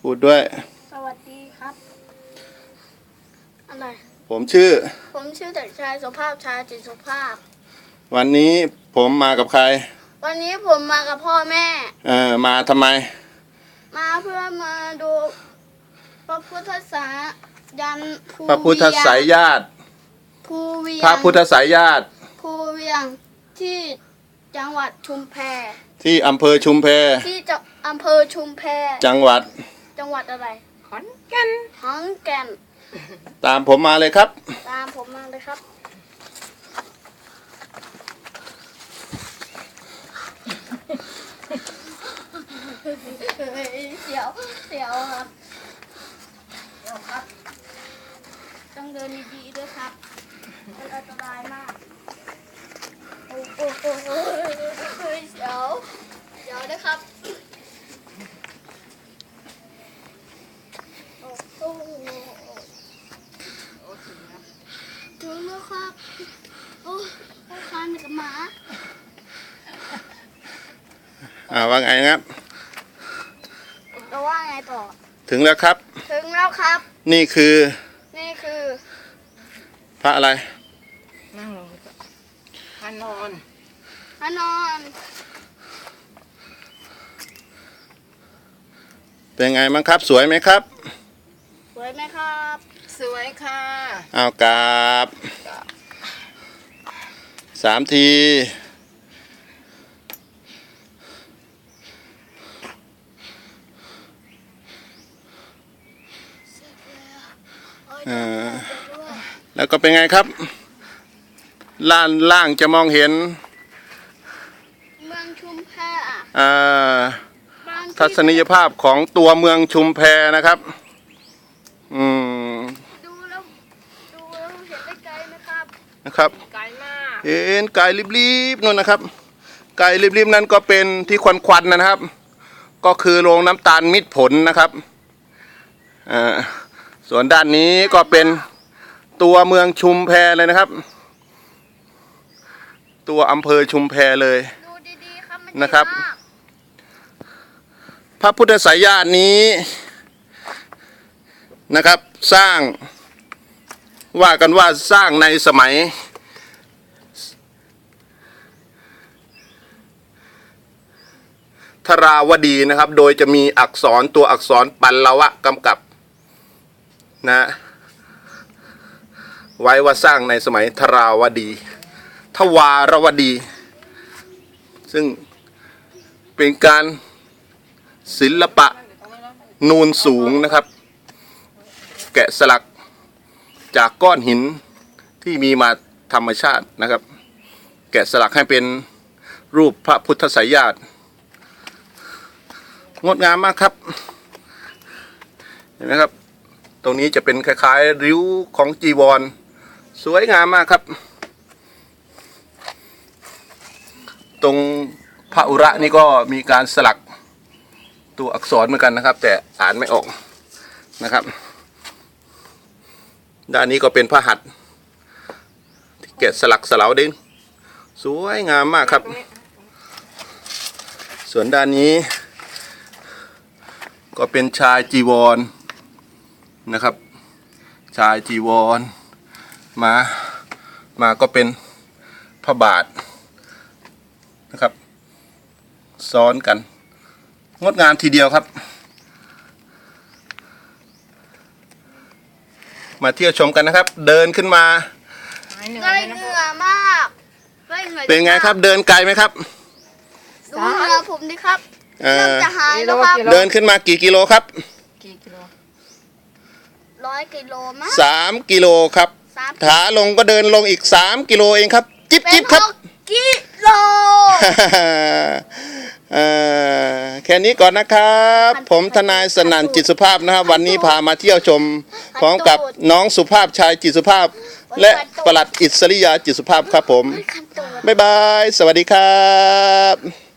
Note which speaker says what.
Speaker 1: พูดด้วย
Speaker 2: สวัสดีครับอะไร
Speaker 1: ผมชื่อ
Speaker 2: เด็กชายสุภาพชายจิตสุภาพ
Speaker 1: วันนี้ผมมากับใคร
Speaker 2: วันนี้ผมมากับพ่อแม่
Speaker 1: มาทำไม
Speaker 2: มาเพื่อมาดูพระพุทธสายยัน
Speaker 1: พระพุทธสายญาติ
Speaker 2: ภูเวียง
Speaker 1: พระพุทธสายญาติ
Speaker 2: ภูเวียงที่จังหวัดชุมแพ
Speaker 1: ที่อำเภอชุมแพ
Speaker 2: ที่อำเภอชุมแพ
Speaker 1: จังหวัด
Speaker 2: อะไร
Speaker 3: ขอนแก่
Speaker 2: น
Speaker 1: ตามผมมาเลยครับ
Speaker 2: ตามผมมาเลยครับเสียวครับต้องเดินดีๆด้วยครับมันอันตรายมากโอ้เสียวด้วยครับถึงแล้วครับโอ้คานกับหมา
Speaker 1: ว่าไงครับ
Speaker 2: เราว่าไงต่อ
Speaker 1: ถึงแล้วครับนี่คือพระอะไร
Speaker 3: นั่งลงพระนอน
Speaker 1: เป็นไงบ้างครับสวยไหมครับ
Speaker 2: สวยไหมครับ
Speaker 3: สวยค่ะ
Speaker 1: เอากราบ3 ทีแล้วก็เป็นไงครับล่างจะมองเห็น
Speaker 2: เมืองชุมแพ
Speaker 1: ทัศนียภาพของตัวเมืองชุมแพนะครับ
Speaker 2: ดูแล้วเห็นได้ไกลไหมครับ
Speaker 1: นะครับ
Speaker 3: ไกลมาก
Speaker 1: เห็นไกลริบๆนู่นนะครับไกลริบๆนั้นก็เป็นที่ควันนะครับก็คือโรงน้ำตาลมิตรผลนะครับส่วนด้านนี้ก็เป็นตัวเมืองชุมแพเลยนะครับตัวอำเภอชุมแพเลย
Speaker 2: ดูดีๆครับ
Speaker 1: นะครับพระพุทธสายญาตินี้นะครับสร้างว่ากันว่าสร้างในสมัยธราวดีนะครับโดยจะมีตัวอักษรปัลลวะกำกับนะไว้ว่าสร้างในสมัยธราวดีทวารวดีซึ่งเป็นการศิลปะนูนสูงนะครับแกะสลักจากก้อนหินที่มีมาธรรมชาตินะครับแกะสลักให้เป็นรูปพระพุทธสายญาติงดงามมากครับเห็นไหมครับตรงนี้จะเป็นคล้ายๆริ้วของจีวรสวยงามมากครับตรงพระอุระนี่ก็มีการสลักตัวอักษรเหมือนกันนะครับแต่อ่านไม่ออกนะครับด้านนี้ก็เป็นพระหัตถ์ที่แกะสลักสลาวดินสวยงามมากครับส่วนด้านนี้ก็เป็นชายจีวรนะครับชายจีวรมาก็เป็นพระบาทนะครับซ้อนกันงดงามทีเดียวครับมาเที่ยวชมกันนะครับเดินขึ้นมา
Speaker 2: ได้เหงื่อมาก
Speaker 1: เป็นไงครับเดินไกลไหมครับ
Speaker 2: ดูเหงื่อผมดิครับเริ่มจะหายแล้วครับ
Speaker 1: เดินขึ้นมากี่กิโลครับ
Speaker 2: 100 กิโลมั้ง
Speaker 1: 3 กิโลครับขาลงก็เดินลงอีก3 กิโลเองครับจิ๊บครับ
Speaker 2: กิโล
Speaker 1: แค่นี้ก่อนนะครับผมทนายสนั่นจิตสุภาพนะครับวันนี้พามาเที่ยวชมพร้อมกับน้องสุภาพชายจิตสุภาพและปลัดอิสริยาจิตสุภาพครับผมบ๊ายบายสวัสดีครับ